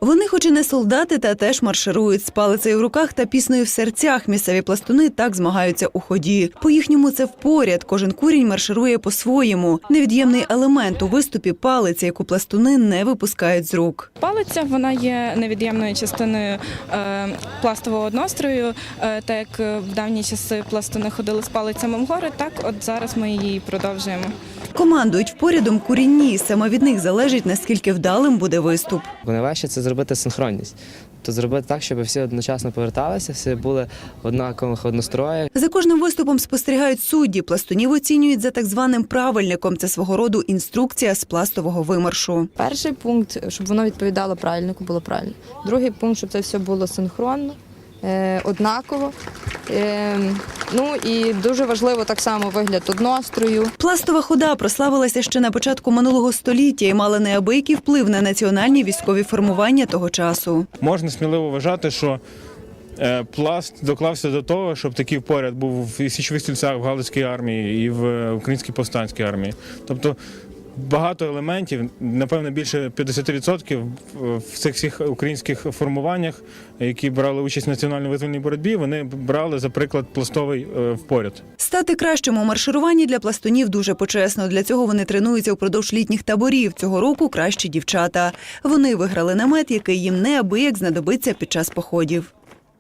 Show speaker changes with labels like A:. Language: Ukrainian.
A: Вони хоч і не солдати, та теж марширують з палицею в руках та піснею в серцях. Місцеві пластуни так змагаються у ході. По-їхньому це впоряд. Кожен курінь марширує по-своєму. Невід'ємний елемент у виступі – палиця, яку пластуни не випускають з рук.
B: Палиця, вона є невід'ємною частиною пластового однострою. Так як в давні часи пластуни ходили з палицями в гори, так от зараз ми її продовжуємо.
A: Командують впорядом курінні. Саме від них залежить, наскільки вдалим буде виступ.
C: Найважче – це зробити синхронність. Тобто зробити так, щоб всі одночасно поверталися, всі були в однакових одностроях.
A: За кожним виступом спостерігають судді. Пластунів оцінюють за так званим правильником. Це свого роду інструкція з пластового вимаршу.
D: Перший пункт, щоб воно відповідало правильнику, було правильно. Другий пункт, щоб це все було синхронно, однаково. Ну і дуже важливо так само вигляд однострою.
A: Пластова хода прославилася ще на початку минулого століття і мала неабиякий вплив на національні військові формування того часу.
E: Можна сміливо вважати, що пласт доклався до того, щоб такий поряд був в січових стрільцях, в Галицькій армії і в Українській повстанській армії. Тобто багато елементів, напевно, більше 50% в цих всіх українських формуваннях, які брали участь в національно-визвольній боротьбі, вони брали, за приклад, пластовий впоряд.
A: Стати кращим у маршируванні для пластунів дуже почесно. Для цього вони тренуються впродовж літніх таборів. Цього року кращі дівчата. Вони виграли намет, який їм неабияк знадобиться під час походів.